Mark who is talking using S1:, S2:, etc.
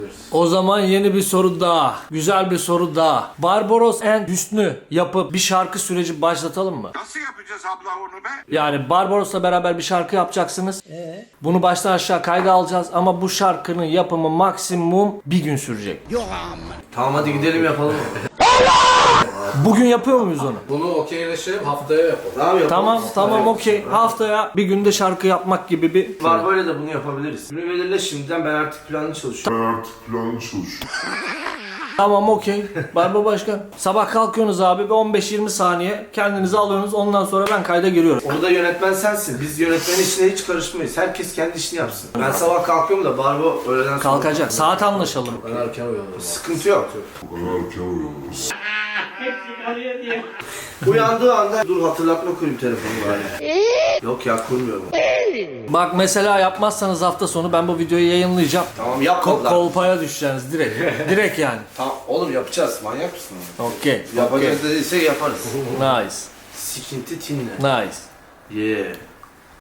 S1: O zaman yeni bir soru daha. Güzel bir soru daha. Barbaros and Hüsnü yapıp bir şarkı süreci başlatalım mı?
S2: Nasıl yapacağız abla onu be?
S1: Yani Barbaros'la beraber bir şarkı yapacaksınız. Bunu baştan aşağı kayda alacağız ama bu şarkının yapımı maksimum bir gün sürecek.
S3: Tamam hadi gidelim yapalım.
S1: Bugün yapıyor muyuz onu?
S3: Bunu okeyleşelim haftaya yapalım. Tamam yapalım.
S1: Tamam okey. Haftaya bir günde şarkı yapmak gibi bir...
S3: Var böyle de bunu yapabiliriz. Günü belirle şimdiden, ben artık planlı çalışıyorum.
S1: Tamam okey. Barba Başkan. Sabah kalkıyorsunuz abi ve 15-20 saniye kendinizi alıyorsunuz. Ondan sonra ben kayda giriyorum.
S3: Orada yönetmen sensin. Biz yönetmenin işine hiç karışmayız. Herkes kendi işini yapsın. Ben sabah kalkıyorum da Barbo öğleden sonra...
S1: Kalkacak. Saat anlaşalım.
S3: Ben erken uyanıyorum. Sıkıntı yok. Uyandığı anda dur hatırlatma koyayım telefonu bari. Yok ya kurmuyorum.
S1: Bak mesela yapmazsanız hafta sonu ben bu videoyu yayınlayacağım.
S3: Tamam yapma lan.
S1: Kolpaya düşeceksiniz direkt. Direkt yani.
S3: Tamam oğlum yapacağız. Manyak mısın?
S1: Okey.
S3: Yapacağız dediyse yaparız.
S1: Nice.
S3: Sikinti tinle.
S1: Nice.
S3: Yeah.